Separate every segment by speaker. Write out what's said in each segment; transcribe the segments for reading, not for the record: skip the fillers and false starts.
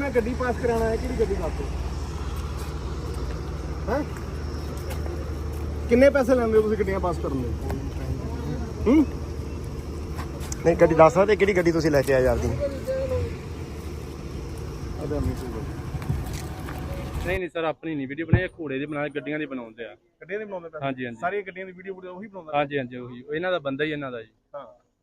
Speaker 1: मैं गड्डी पास कराना है कि गड्डी दस हैं किन्ने पैसे लैंदे हो तुसीं गड्डियां पास करन दे
Speaker 2: नहीं गड्डी दस सकदे किहड़ी गड्डी तुसीं लैके आए यार दी
Speaker 3: नहीं सर अपनी नहीं वीडियो बनाई घोड़े दी बना गड्डियां दी बनाउंदे आ
Speaker 1: गड्डियां दी बनाउंदे पए
Speaker 3: हाँ जी
Speaker 1: सारी गड्डियां दी वीडियो ਉਹੀ ਬਣਾਉਂਦਾ
Speaker 3: हाँ जी ਉਹੀ ਇਹਨਾਂ ਦਾ ਬੰਦਾ ਹੀ ਇਹਨਾਂ ਦਾ ਜੀ
Speaker 1: ਹਾਂ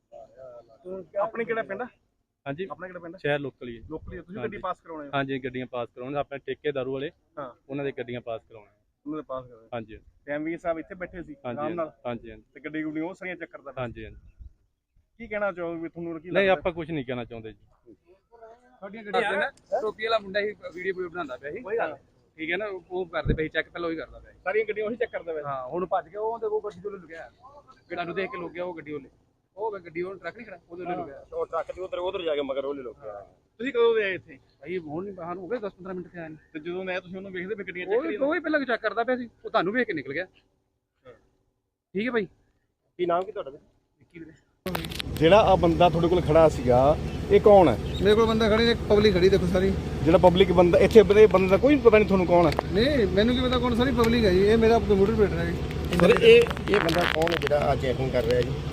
Speaker 1: ਆਪਣੀ ਕਿਹੜਾ ਪਿੰਡ
Speaker 3: हाँ जी
Speaker 1: ਆਪਣਾ ਕਿਹੜਾ ਪਿੰਡ
Speaker 3: ਸ਼ਹਿਰ ਲੋਕਲੀ
Speaker 1: ਲੋਕਲੀ ਤੁਸੀਂ ਗੱਡੀ ਪਾਸ ਕਰਾਉਣੇ
Speaker 3: हाँ जी ਗੱਡੀਆਂ ਪਾਸ ਕਰਾਉਣ ਆਪਣੇ ਠੇਕੇਦਾਰੂ ਵਾਲੇ
Speaker 1: ਹਾਂ
Speaker 3: ਉਹਨਾਂ ਦੇ ਗੱਡੀਆਂ ਪਾਸ ਕਰਾਉਣੇ
Speaker 1: ਉਹਨਾਂ ਦੇ ਪਾਸ ਕਰਾਉਣੇ
Speaker 3: हाँ जी
Speaker 1: ਤੇ ਐਮਵੀ ਸਾਹਿਬ ਇੱਥੇ ਬੈਠੇ ਸੀ ਆਰਾਮ ਨਾਲ
Speaker 3: हाँ जी
Speaker 1: ਤੇ ਗੱਡੀ ਗੁੱਡੀ ਉਹ ਸਾਰੀਆਂ ਚੈੱਕ ਕਰਦਾ
Speaker 3: हाँ जी
Speaker 1: ਕੀ ਕਹਿਣਾ ਚਾਹੋਗੇ ਵੀ ਤੁਹਾਨੂੰ ਕੀ
Speaker 3: नहीं ਆਪਾਂ ਕੁਝ ਨਹੀਂ ਕਹਿਣਾ ਚਾਹੁੰਦੇ ਜੀ
Speaker 1: ਤੁਹਾਡੀਆਂ ਗੱਡੀਆਂ
Speaker 4: ਟੋਪੀ ਵਾਲਾ ਮੁੰਡਾ ਹੀ ਵੀਡੀਓ ਬਣਾਉਂਦਾ ਪਿਆ ਸੀ
Speaker 1: ਕੋਈ ਗੱਲ
Speaker 4: ਠੀਕ ਹੈ ਨਾ ਉਹ ਕਰਦੇ ਪਏ ਚੈੱਕ ਪਹਿਲਾਂ ਉਹੀ ਕਰਦਾ ਪਿਆ
Speaker 1: ਸਾਰੀਆਂ ਗੱਡੀਆਂ ਉਹੀ ਚੈੱਕ ਕਰਦਾ ਵੇ
Speaker 4: ਹਾਂ ਹੁਣ ਭੱਜ ਕੇ ਉਹ ਤੇ ਉਹ ਗੱਡੀ ਤੋਂ ਲੁਕਿਆ ਕਿਹੜਾ ਨੂੰ ਦੇਖ ਕੇ ਲੁਕਿਆ ਉਹ ਗੱਡੀ ਉਹਲੇ ਉਹ ਗੱਡੀ ਉਹ ਟਰੱਕ ਨਹੀਂ ਖੜਾ ਉਹਦੇ ਉੱਲੇ ਲੁਕਿਆ
Speaker 2: ਉਹ ਟਰੱਕ ਦੇ ਉਧਰ ਜਾ ਕੇ ਮਗਰ ਉਹਲੇ ਲੋਕ
Speaker 1: ਤੁਸੀਂ ਕਦੋਂ ਦੇ ਆਏ ਇੱਥੇ
Speaker 4: ਭਾਈ ਹੁਣ ਨਹੀਂ ਬਾਹਰ ਹੋ ਗਏ 10-15 ਮਿੰਟ ਤੇ ਆਏ ਨੇ
Speaker 1: ਤੇ ਜਦੋਂ ਮੈਂ ਤੁਸੀਂ ਉਹਨੂੰ ਵੇਖਦੇ ਵੀ ਗੱਡੀਆਂ ਚੈੱਕ ਕਰੀ
Speaker 4: ਉਹ ਹੀ ਪਹਿਲਾਂ ਚੈੱਕ ਕਰਦਾ ਪਿਆ ਸੀ ਉਹ ਤੁਹਾਨੂੰ ਵੇਖ ਕੇ ਨਿਕਲ ਗਿਆ ਠੀਕ ਹੈ ਭਾਈ
Speaker 2: ਕੀ ਨਾਮ ਕੀ ਤੁਹਾਡਾ
Speaker 4: ਵਿੱਕੀ ਵੀਰੇ
Speaker 1: ਜਿਹੜਾ ਆ ਬੰਦਾ ਤੁਹਾਡੇ ਕੋਲ ਖੜਾ ਸੀਗਾ ਇਹ ਕੌਣ ਹੈ
Speaker 5: ਮੇਰੇ ਕੋਲ ਬੰਦਾ ਖੜੀ ਨੇ ਪਬਲਿਕ ਖੜੀ ਦੇਖੋ ਸਾਰੀ
Speaker 1: ਜਿਹੜਾ ਪਬਲਿਕ ਬੰਦਾ ਇੱਥੇ ਬੰਦੇ ਦਾ ਕੋਈ ਪਤਾ ਨਹੀਂ ਤੁਹਾਨੂੰ ਕੌਣ ਹੈ
Speaker 5: ਨਹੀਂ ਮੈਨੂੰ ਕੀ ਪਤਾ ਕੌਣ ਸਾਰੀ ਪਬਲਿਕ ਹੈ ਜੀ ਇਹ ਮੇਰਾ ਕੰਪਿਊਟਰ ਬੈਠ ਰਿਹਾ ਜੀ
Speaker 2: ਸਰ ਇਹ ਬੰਦਾ ਕੌਣ ਹੈ ਜਿਹੜਾ ਆ ਚੈਕਿੰਗ ਕਰ ਰਿਹਾ ਜੀ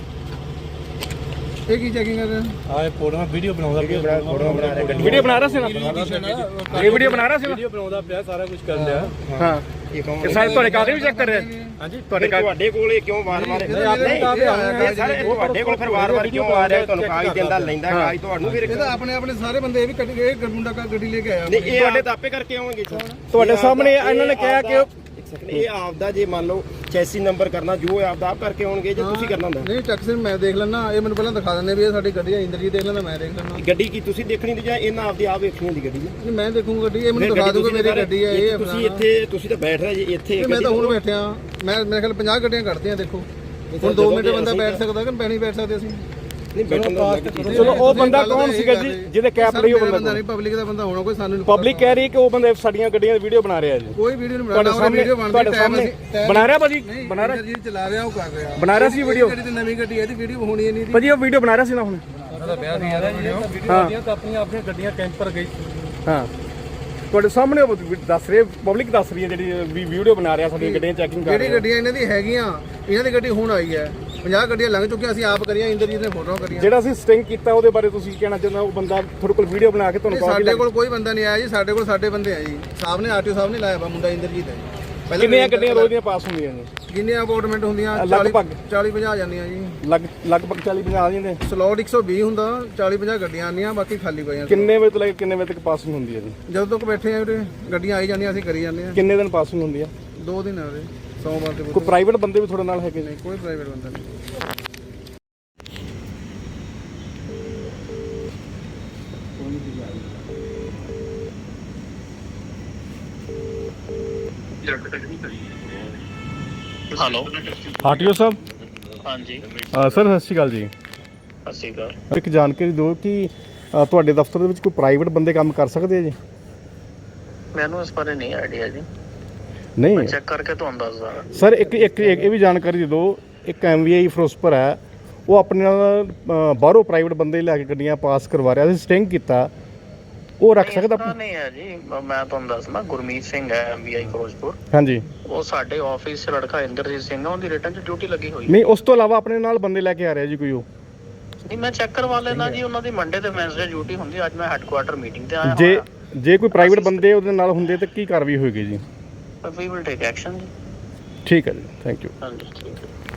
Speaker 5: ਇਹ ਕੀ ਚੈਕਿੰਗ ਕਰ ਰਿਹਾ
Speaker 3: ਆਹ ਫੋਟੋਆਂ ਵੀਡੀਓ ਬਣਾਉਂਦਾ
Speaker 2: ਫੋਟੋ ਬਣਾ ਰਿਹਾ ਗੱਡੀ
Speaker 1: ਵੀਡੀਓ ਬਣਾ ਰਿਹਾ ਸੀ ਨਾ ਇਹ ਵੀਡੀਓ ਬਣਾ ਰਿਹਾ ਸੀ ਨਾ
Speaker 3: ਵੀਡੀਓ ਬਣਾਉਂਦਾ ਪਿਆ ਸਾਰਾ ਕੁਝ ਕਰ ਲਿਆ
Speaker 1: ਹਾਂ
Speaker 2: ਇਹ ਕੌਣ
Speaker 1: ਇਹ ਸਾਰੇ ਤੁਹਾਡੇ ਕਾਗਜ਼ ਵੀ ਚੈੱਕ ਕਰ ਰਿਹਾ
Speaker 2: ਹਾਂਜੀ ਤੁਹਾਡੇ ਕੋਲ ਇਹ ਕਿਉਂ ਵਾਰ-ਵਾਰ ਸਰ ਤੁਹਾਡੇ ਕੋਲ ਫਿਰ ਵਾਰ-ਵਾਰ ਕਿਉਂ ਆ ਰਿਹਾ ਤੁਹਾਨੂੰ ਕਾਗਜ਼ ਦਿੰਦਾ ਲੈਂਦਾ ਕਾਗਜ਼ ਤੁਹਾਨੂੰ ਫਿਰ
Speaker 5: ਇਹ ਤਾਂ ਆਪਣੇ ਸਾਰੇ ਬੰਦੇ ਇਹ ਵੀ ਕੱਢ ਕੇ ਇਹ ਮੁੰਡਾ ਗੱਡੀ ਲੈ ਕੇ ਆਇਆ
Speaker 2: ਨਹੀਂ ਇਹ ਤੁਹਾਡੇ ਦਾਪੇ ਕਰਕੇ ਆਉਣਗੇ
Speaker 1: ਤੁਹਾਡੇ ਸਾਹਮਣੇ ਇਹਨਾਂ ਨੇ ਕਿਹਾ ਕਿ
Speaker 2: ਇਹ ਆਪਦਾ ਜੇ ਮੰਨ ਲਓ ਚੈਸੀ ਨੰਬਰ ਕਰਨਾ ਜੋ ਆਪਦਾ ਆਪ ਕਰਕੇ ਆਉਣਗੇ ਜੇ ਤੁਸੀਂ ਕਰਨਾ ਹੁੰਦਾ
Speaker 5: ਨਹੀਂ ਟੈਕਸ ਮੈਂ ਦੇਖ ਲੈਣਾ ਇਹ ਮੈਨੂੰ ਪਹਿਲਾਂ ਦਿਖਾ ਦਿੰਦੇ ਵੀ ਇਹ ਸਾਡੀ ਗੱਡੀ ਹੈ ਇੰਦਰਜੀਤ ਦੇਖ ਲੈਂਦਾ ਮੈਂ ਦੇਖ ਲੈਣਾ
Speaker 2: ਗੱਡੀ ਕੀ ਤੁਸੀਂ ਦੇਖਣੀ ਤੇ ਜਾਂ ਇਹਨਾਂ ਆਪਦੀ ਆਪ ਵੇਖਣੀ ਹੁੰਦੀ ਗੱਡੀ
Speaker 5: ਨਹੀਂ ਮੈਂ ਦੇਖੂੰਗਾ ਗੱਡੀ ਇਹ ਮੈਨੂੰ ਦਿਖਾ ਦੂਗਾ ਮੇਰੀ ਗੱਡੀ ਹੈ ਇਹ
Speaker 2: ਤੁਸੀਂ ਇੱਥੇ ਤੁਸੀਂ ਤਾਂ ਬੈਠ ਰਹੇ ਜੀ ਇੱਥੇ
Speaker 5: ਮੈਂ ਤਾਂ ਹੁਣ ਬੈਠਿਆ ਮੈਂ ਮੇਰੇ ਖਿਆਲ 50 ਗੱਡੀਆਂ ਕੱਢਦੇ ਆ ਦੇਖੋ ਹੁਣ 2 ਮਿੰਟ ਬੰਦਾ ਬੈਠ ਸਕਦਾ ਕਿ ਨਹੀਂ ਬੈਠ ਸਕਦੇ ਅਸੀਂ
Speaker 2: ਨਹੀਂ ਬੈਠਣ ਦਾ
Speaker 1: ਚਲੋ ਉਹ ਬੰਦਾ ਕੌਣ ਸੀਗਾ ਜੀ ਜਿਹਦੇ ਕੈਪ ਲਈ ਉਹ ਬੰਦਾ
Speaker 5: ਨਹੀਂ ਪਬਲਿਕ ਦਾ ਬੰਦਾ ਹੋਣਾ ਕੋਈ ਸਾਨੂੰ
Speaker 1: ਪਬਲਿਕ ਕਹਿ ਰਹੀ ਕਿ ਉਹ ਬੰਦੇ ਸਾਡੀਆਂ ਗੱਡੀਆਂ ਦੀ ਵੀਡੀਓ ਬਣਾ ਰਿਹਾ ਜੀ
Speaker 5: ਕੋਈ ਵੀਡੀਓ ਨਹੀਂ ਬਣਾ ਰਿਹਾ ਵੀਡੀਓ
Speaker 1: ਤੁਹਾਡੇ ਸਾਹਮਣੇ ਬਣਾ ਰਿਹਾ ਭਾਜੀ ਬਣਾ ਰਿਹਾ
Speaker 5: ਜੀ ਚਲਾ ਰਿਹਾ ਉਹ ਕਰ ਰਿਹਾ
Speaker 1: ਬਣਾ ਰਿਹਾ ਸੀ ਵੀਡੀਓ
Speaker 5: ਗੱਡੀ ਤੇ ਨਵੀਂ ਗੱਡੀ ਹੈ ਇਹਦੀ ਵੀਡੀਓ ਹੋਣੀ ਨਹੀਂ
Speaker 1: ਭਾਜੀ ਉਹ ਵੀਡੀਓ ਬਣਾ ਰਿਹਾ ਸੀ ਨਾ ਹੁਣ
Speaker 3: ਹਾਂ ਤਾਂ ਆਪਣੀਆਂ ਗੱਡੀਆਂ ਕੈਂਪਰ ਗਈ
Speaker 1: ਹਾਂ ਤੁਹਾਡੇ ਸਾਹਮਣੇ ਉਹ ਦੱਸ ਰਹੇ ਪਬਲਿਕ ਦੱਸ ਰਹੀ ਹੈ ਜਿਹੜੀ ਵੀਡੀਓ ਬਣਾ ਰਿਹਾ ਸਾਡੀਆਂ ਗੱਡੀਆਂ ਚੈਕਿੰਗ ਕਰ
Speaker 5: ਜਿਹੜੀ ਗੱਡੀਆਂ ਇਹਨਾਂ ਦੀ ਹੈਗੀਆਂ ਇਹਨਾਂ ਦੀ ਗੱਡੀ ਹੁਣ ਆਈ ਹੈ 50 ਗੱਡੀਆਂ ਲੰਘ ਚੁੱਕੀਆਂ ਅਸੀਂ ਆਪ ਕਰੀਆਂ ਇੰਦਰਜੀਤ ਨੇ ਫੋਟੋਆਂ ਕਰੀਆਂ
Speaker 1: ਜਿਹੜਾ ਅਸੀਂ ਸਟਿੰਗ ਕੀਤਾ ਉਹਦੇ ਬਾਰੇ ਤੁਸੀਂ ਕਹਿਣਾ ਚਾਹੁੰਦਾ ਉਹ ਬੰਦਾ ਤੁਹਾਡੇ ਕੋਲ ਵੀਡੀਓ ਬਣਾ ਕੇ ਤੁਹਾਨੂੰ
Speaker 5: ਸਾਡੇ ਕੋਲ ਕੋਈ ਬੰਦਾ ਨਹੀਂ ਆਇਆ ਜੀ ਸਾਡੇ ਕੋਲ ਸਾਡੇ ਬੰਦੇ ਆ ਜੀ ਸਾਹਿਬ ਨੇ ਆਰਟੀਓ ਸਾਹਿਬ ਨੇ ਲਾਇਆ ਵਾ ਮੁੰਡਾ ਇੰਦਰਜੀਤ ਹੈ
Speaker 1: ਕਿੰਨੀਆਂ ਗੱਡੀਆਂ ਰੋਜ਼ ਦੀਆਂ ਪਾਸ ਹੁੰਦੀਆਂ ਨੇ
Speaker 5: ਜਿੰਨੀਆਂ ਅਪਾਰਟਮੈਂਟ ਹੁੰਦੀਆਂ
Speaker 1: ਲਗਭਗ
Speaker 5: 40-50 ਜਾਂਦੀਆਂ ਜੀ
Speaker 1: ਲਗਭਗ 40-50 ਆ ਜਾਂਦੇ
Speaker 5: ਸਲੋਟ 120 ਹੁੰਦਾ 40-50 ਗੱਡੀਆਂ ਆਉਂਦੀਆਂ ਬਾਕੀ ਖਾਲੀ ਪਈਆਂ
Speaker 1: ਕਿੰਨੇ ਵਜੇ ਤੋਂ ਲੈ ਕੇ ਕਿੰਨੇ ਵਜੇ ਤੱਕ ਪਾਸਿੰਗ ਹੁੰਦੀ ਹੈ ਜੀ
Speaker 5: ਜਦੋਂ ਤੱਕ ਬੈਠੇ ਆ ਉਰੇ ਗੱਡੀਆਂ ਆਈ ਜਾਂਦੀਆਂ ਅਸੀਂ ਕਰੀ ਜਾਂਦੇ ਆ
Speaker 1: ਕਿੰਨੇ ਦਿਨ ਪਾਸਿੰਗ ਹੁੰਦੀ ਹੈ
Speaker 5: 2 ਦਿਨ ਆ ਉਰੇ ਸੋਮਵਾਰ ਤੇ
Speaker 1: ਕੋਈ ਪ੍ਰਾਈਵੇਟ ਬੰਦੇ ਵੀ ਤੁਹਾਡੇ ਨਾਲ ਹੈਗੇ ਨੇ
Speaker 5: ਕੋਈ ਪ੍ਰਾਈਵੇਟ ਬੰਦਾ ਨਹੀਂ
Speaker 6: ਹੈਲੋ
Speaker 1: ਆਰਟੀਓ ਸਾਹਿਬ
Speaker 6: ਹਾਂਜੀ
Speaker 1: ਸਰ ਸਤਿ ਸ਼੍ਰੀ ਅਕਾਲ ਜੀ
Speaker 6: ਸਤਿ ਸ਼੍ਰੀ ਅਕਾਲ
Speaker 1: ਇੱਕ ਜਾਣਕਾਰੀ ਦਿਓ ਕਿ ਤੁਹਾਡੇ ਦਫ਼ਤਰ ਦੇ ਵਿੱਚ ਕੋਈ ਪ੍ਰਾਈਵੇਟ ਬੰਦੇ ਕੰਮ ਕਰ ਸਕਦੇ ਆ ਜੀ
Speaker 6: ਮੈਨੂੰ ਇਸ ਬਾਰੇ ਨਹੀਂ ਆਈਡੀਆ ਜੀ
Speaker 1: ਨਹੀਂ
Speaker 6: ਮੈਂ ਚੈੱਕ ਕਰਕੇ ਤੁਹਾਨੂੰ ਦੱਸਦਾ
Speaker 1: ਸਰ ਇੱਕ ਇਹ ਵੀ ਜਾਣਕਾਰੀ ਦੇ ਦਿਓ ਇੱਕ ਐਮਵੀਆਈ ਫਿਰੋਜ਼ਪੁਰ ਹੈ ਉਹ ਆਪਣੇ ਨਾਲ ਬਾਹਰੋਂ ਪ੍ਰਾਈਵੇਟ ਬੰਦੇ ਲੈ ਕੇ ਗੱਡੀਆਂ ਪਾਸ ਕਰਵਾ ਰਿਹਾ ਸੀ ਸਟਿੰਗ ਕੀਤਾ ਉਹ ਰੱਖ ਸਕਦਾ
Speaker 6: ਨਹੀਂ ਹੈ ਜੀ ਮੈਂ ਤੁਹਾਨੂੰ ਦੱਸਣਾ ਗੁਰਮੀਤ ਸਿੰਘ ਹੈ ਐਮਬੀਆਈ ਫਿਰੋਜ਼ਪੁਰ
Speaker 1: ਹਾਂਜੀ
Speaker 6: ਉਹ ਸਾਡੇ ਆਫਿਸ 'ਚ ਲੜਕਾ ਇੰਦਰਜੀਤ ਸਿੰਘ ਆ ਉਹਦੀ ਰਿਟਰਨ 'ਚ ਡਿਊਟੀ ਲੱਗੀ ਹੋਈ
Speaker 1: ਨਹੀਂ ਉਸ ਤੋਂ ਇਲਾਵਾ ਆਪਣੇ ਨਾਲ ਬੰਦੇ ਲੈ ਕੇ ਆ ਰਿਹਾ ਜੀ ਕੋਈ ਉਹ
Speaker 6: ਨਹੀਂ ਮੈਂ ਚੈੱਕ ਕਰਵਾ ਲੈਣਾ ਜੀ ਉਹਨਾਂ ਦੀ ਮੰਡੇ ਤੇ ਵੈਨਸਡੇ ਡਿਊਟੀ ਹੁੰਦੀ ਅੱਜ ਮੈਂ ਹੈੱਡਕੁਆਟਰ ਮੀਟਿੰਗ ਤੇ ਆਇਆ
Speaker 1: ਜੇ ਕੋਈ ਪ੍ਰਾਈਵੇਟ ਬੰਦੇ ਉਹਦੇ ਨਾਲ ਹੁੰਦੇ ਤਾਂ ਕੀ ਕਾਰਵਾਈ ਹੋਏਗੀ ਜੀ
Speaker 6: ਵੀ ਵਿਲ ਟੇਕ ਐਕਸ਼ਨ ਜੀ
Speaker 1: ਠੀਕ ਹੈ ਜੀ ਥੈਂਕ ਯੂ
Speaker 6: ਹਾਂਜੀ ਠੀਕ ਹੈ